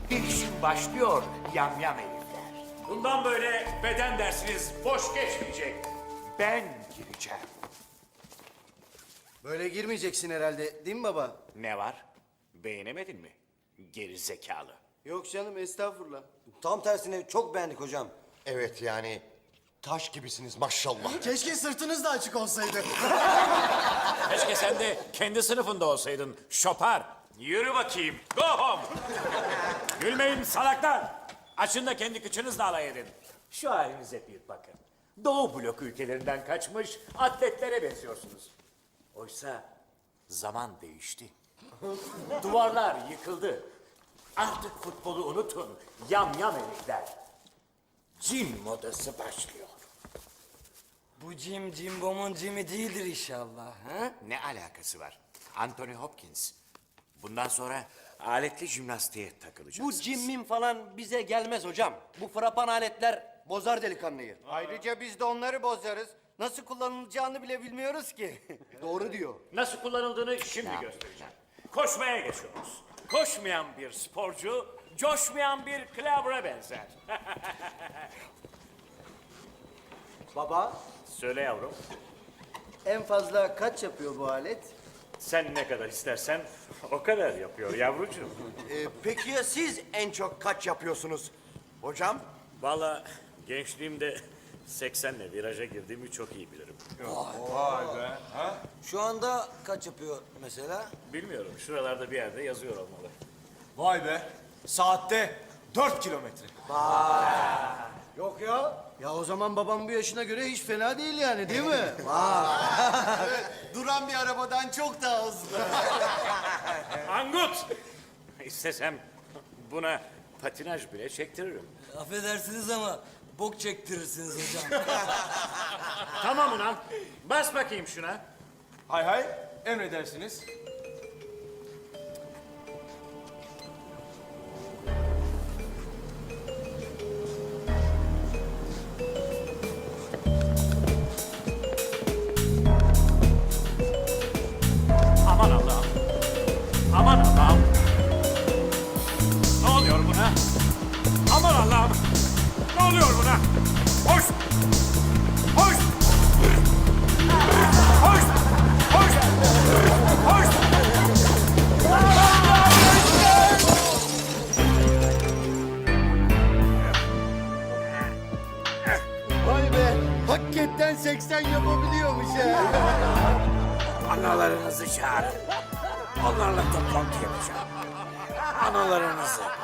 Değişim başlıyor yamyam herifler. Bundan böyle beden dersiniz boş geçmeyecek. Ben gireceğim. Böyle girmeyeceksin herhalde, değil mi baba? Ne var? Beğenemedin mi? Geri zekalı. Yok canım, estağfurullah. Tam tersine çok beğendik hocam. Evet yani taş gibisiniz maşallah. Keşke sırtınız da açık olsaydı. Keşke sen de kendi sınıfında olsaydın şopar. Yürü bakayım. Go home. Gülmeyin salaklar. Açın da kendi kıçınızla alay edin. Şu halinize bir bakın. Doğu blok ülkelerinden kaçmış atletlere benziyorsunuz. Oysa zaman değişti. Duvarlar yıkıldı. Artık futbolu unutun. Yamyam herifler. Cin modası başlıyor. Bu Jim Jimbom'un Jim'i değildir inşallah. Ha? Ne alakası var? Anthony Hopkins. Bundan sonra aletli jimnastiğe takılacaksınız. Bu cimmin falan bize gelmez hocam. Bu frapan aletler bozar delikanlıyı. Ayrıca biz de onları bozarız. Nasıl kullanılacağını bile bilmiyoruz ki. Doğru diyor. Nasıl kullanıldığını şimdi göstereceğim. Koşmaya geçiyoruz. Koşmayan bir sporcu, coşmayan bir klavra benzer. Baba, Söyle yavrum, en fazla kaç yapıyor bu alet? sen ne kadar istersen o kadar yapıyor yavrucuğum. Peki ya siz en çok kaç yapıyorsunuz hocam? Vallahi gençliğimde 80'le viraja girdiğimi çok iyi bilirim. Şu anda kaç yapıyor mesela? Bilmiyorum, şuralarda bir yerde yazıyor olmalı. Vay be. Saatte 4 kilometre. Yok ya. Ya o zaman babam bu yaşına göre hiç fena değil yani, değil mi? Duran bir arabadan çok daha hızlı. Angut! İstesem buna patinaj bile çektiririm. Affedersiniz ama bok çektirirsiniz hocam. Tamam ulan, bas bakayım şuna. Hay hay. Emredersiniz. Aman Allah'ım. Aman Allah'ım. Ne oluyor buna? Aman Allah'ım. Ne oluyor buna? Hoş. Hoş. Hoş. Hoş. Hoş. Vay be, hakikaten 80 yapabiliyormuş ya. Analarınızı çağırın. Onlarla toplantı yapacağım. Analarınızı.